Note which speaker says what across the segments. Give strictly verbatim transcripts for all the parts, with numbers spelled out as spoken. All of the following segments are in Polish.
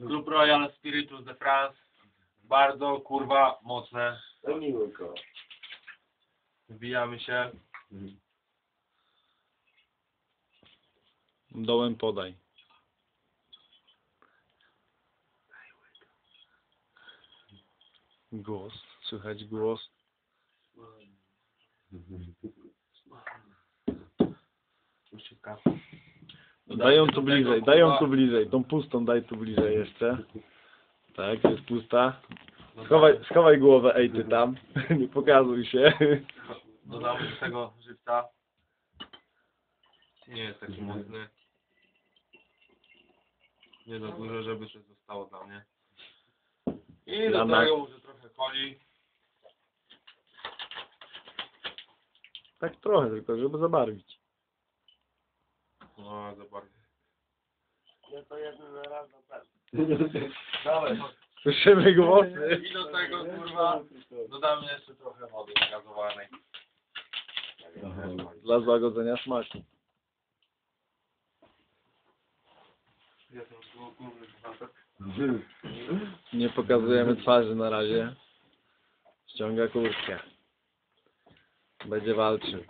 Speaker 1: Club Royal Spiritus de France. Bardzo kurwa mocne.
Speaker 2: To miło koło.
Speaker 1: Wbijamy się.
Speaker 3: Dołem podaj. Głos, słychać głos. Dają tu bliżej, dają tu bliżej. Tą pustą daj tu bliżej jeszcze. Tak, jest pusta. Schowaj, schowaj głowę, ej ty tam. Nie pokazuj się.
Speaker 1: Dodamy do tego żywca. Nie jest taki mocny. Nie za dużo, żeby coś zostało dla mnie. I do
Speaker 3: Dla
Speaker 1: tego może trochę coli.
Speaker 3: Tak trochę tylko, żeby zabarwić.
Speaker 1: No, zobacz.
Speaker 2: No to jeden na raz na pewno.
Speaker 1: Dawaj.
Speaker 3: Słyszymy głosy.
Speaker 1: I do tego kurwa dodamy jeszcze trochę wody gazowanej.
Speaker 3: Dla złagodzenia smaku. Nie pokazujemy twarzy na razie. Ściąga kurtkę. Będzie walczył.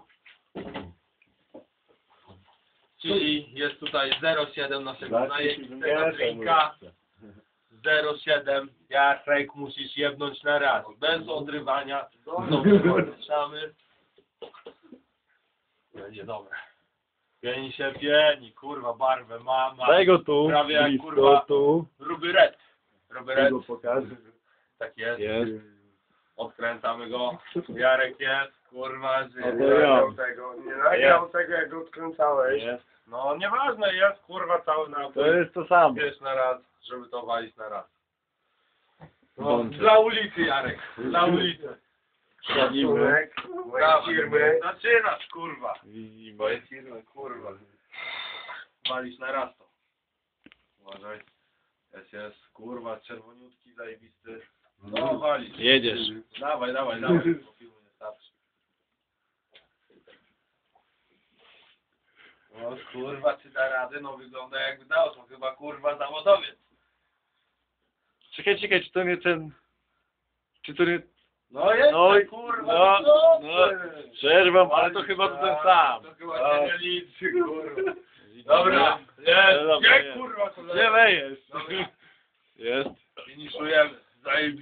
Speaker 1: Czyli jest tutaj zero przecinek siedem naszego zajętego drinka. zero przecinek siedem. Jarek, musisz jebnąć na raz. Bez odrywania. Znowu ruszamy. Będzie dobre. Pieni się pieni, kurwa, barwę ma, ma.
Speaker 3: Daj go tu,
Speaker 1: Prawie jak,
Speaker 3: blisko,
Speaker 1: kurwa,
Speaker 3: tu.
Speaker 1: Ruby Red. Ruby Red.
Speaker 3: pokażę.
Speaker 1: Tak jest.
Speaker 3: Jest.
Speaker 1: Odkręcamy go. Jarek jest, kurwa, że...
Speaker 3: to
Speaker 2: Nie
Speaker 3: ja.
Speaker 2: nagrał tego, nie nagrał tego jak go odkręcałeś.
Speaker 3: Jest.
Speaker 1: No nieważne jest, kurwa, cały napój.
Speaker 3: To jest to samo.
Speaker 1: Wiesz na raz, żeby to walić na raz. No,
Speaker 3: Włączę.
Speaker 1: dla ulicy, Jarek. Dla ulicy.
Speaker 2: Szacunek mojej
Speaker 1: Dawaj,
Speaker 2: firmy.
Speaker 1: Zaczynasz, kurwa.
Speaker 3: Widzimy.
Speaker 1: Twoje firmy, kurwa. Walić na raz to. Uważaj. Jest, jest, kurwa, czerwoniutki, zajebisty. No, walić.
Speaker 3: Jedziesz.
Speaker 1: Dawaj, dawaj, dawaj. Bo filmu nie starczy. No, kurwa, czy da radę? No, wygląda jakby dał. To chyba, kurwa, zawodowiec.
Speaker 3: Czekaj, czekaj, czy to nie ten... Czy to nie...
Speaker 1: No jest,
Speaker 3: No i-
Speaker 1: kurwa,
Speaker 3: no,
Speaker 1: no,
Speaker 3: no. Przerwam, ale to chyba to ten sam.
Speaker 1: To chyba się nie liczy, kurwa. Dobra, jest,
Speaker 3: Dobra,
Speaker 1: nie,
Speaker 3: jest.
Speaker 1: kurwa, to
Speaker 3: Nie lejesz.
Speaker 1: Dobra.
Speaker 3: Jest.
Speaker 1: Finiszujemy. Zajebi